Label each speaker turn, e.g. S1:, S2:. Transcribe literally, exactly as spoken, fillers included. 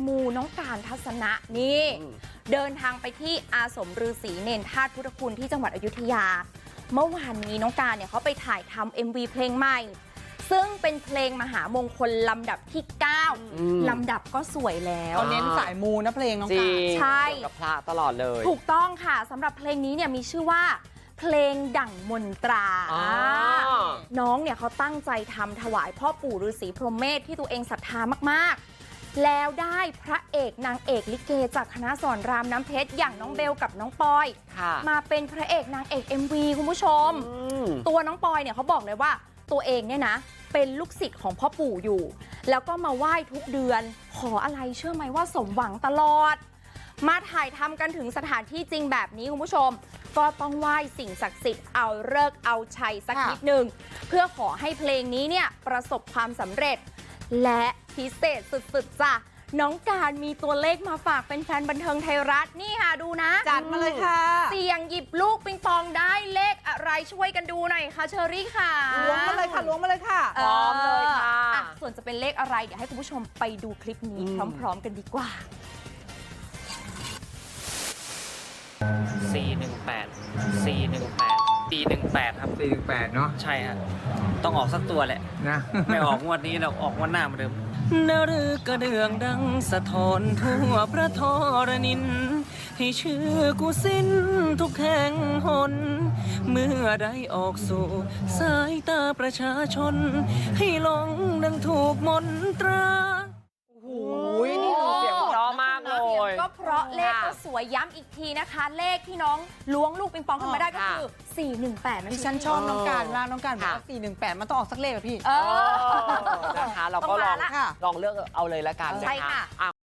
S1: มูน้องการทัศนะนี่เดินทางไปที่อาสมฤาษีเนรธาตุพุทธคุณที่จังหวัดอยุธยาเมื่อวานนี้น้องการเนี่ยเขาไปถ่ายทำ เอ็ม วี เพลงใหม่ซึ่งเป็นเพลงมหามงคลลำดับที่เก้าลำดับก็สวยแล้ว
S2: เขาเน้นสายมูนะเพลงน้องการ
S1: ใช่
S3: กับพระตลอดเลย
S1: ถูกต้องค่ะสำหรับเพลงนี้เนี่ยมีชื่อว่าเพลงดั่งมนตราน้องเนี่ยเขาตั้งใจทำถวายพ่อปู่ฤาษีพรหมเมธที่ตัวเองศรัทธามากๆแล้วได้พระเอกนางเอกลิเกจากคณะสอนรามน้ำเพชรอย่างน้องเบลกับน้องปอยมาเป็นพระเอกนางเอก เอ็ม วี คุณผู้ชมตัวน้องปอยเนี่ยเขาบอกเลยว่าตัวเองเนี่ยนะเป็นลูกศิษย์ของพ่อปู่อยู่แล้วก็มาไหว้ทุกเดือนขออะไรเชื่อไหมว่าสมหวังตลอดมาถ่ายทำกันถึงสถานที่จริงแบบนี้คุณผู้ชมก็ต้องไหว้สิ่งศักดิ์สิทธิ์เอาเลิกเอาชัยสักนิดหนึ่งเพื่อขอให้เพลงนี้เนี่ยประสบความสำเร็จและพิเศษสุดๆจ้ะน้องการมีตัวเลขมาฝากเป็นแฟนบันเทิงไทยรัฐนี่ค่ะดูนะ
S2: จัดมาเลยค่ะ
S1: เสี่ยงหยิบลูกปิงปองได้เลขอะไรช่วยกันดูหน่อยค่ะเชอรี่ค่ะ
S2: ล้วงมาเลยค่ะล้วงมาเลยค่ะ
S1: พร้อมเลยค่ะส่วนจะเป็นเลขอะไรเดี๋ยวให้คุณผู้ชมไปดูคลิปนี้พร้อมๆกันดีกว่า
S4: สี่หนึ่งแปด สี่หนึ่งแปด สี่หนึ่งแปดครับ
S5: สี่หนึ่งแปดเนาะ
S4: ใช่ฮะต้องออกสักตัวแหละ
S5: นะ
S4: ไม่ออกงวดนี้เราออกงวดหน้าเหมือนเดิมนรือกระเดื่องดังสะท้อนทั่วพระธรณินให้ชื่อกูสิ้นทุกแห่งหนเมื่อได้ออกสู่สายตาประชาชนให้หลงดังถูกมนตรา
S2: โอ้โหนี่เสียงเพราะมากเลย
S1: เสียงก็เพราะเลขก็สวยย้ำอีกทีนะคะเลขที่น้องล้วงลูกปิงปองขึ้นมาได้ก็คือสี่หนึ่งแปดนั่น
S2: ดิฉันชอบน้องการมากน้องการบอกว่าสี่หนึ่งแปดมันต้องออกสักเลขอะพี่
S3: นะคะเราก็ลองลองเลือกเอาเลยละกันนะคะ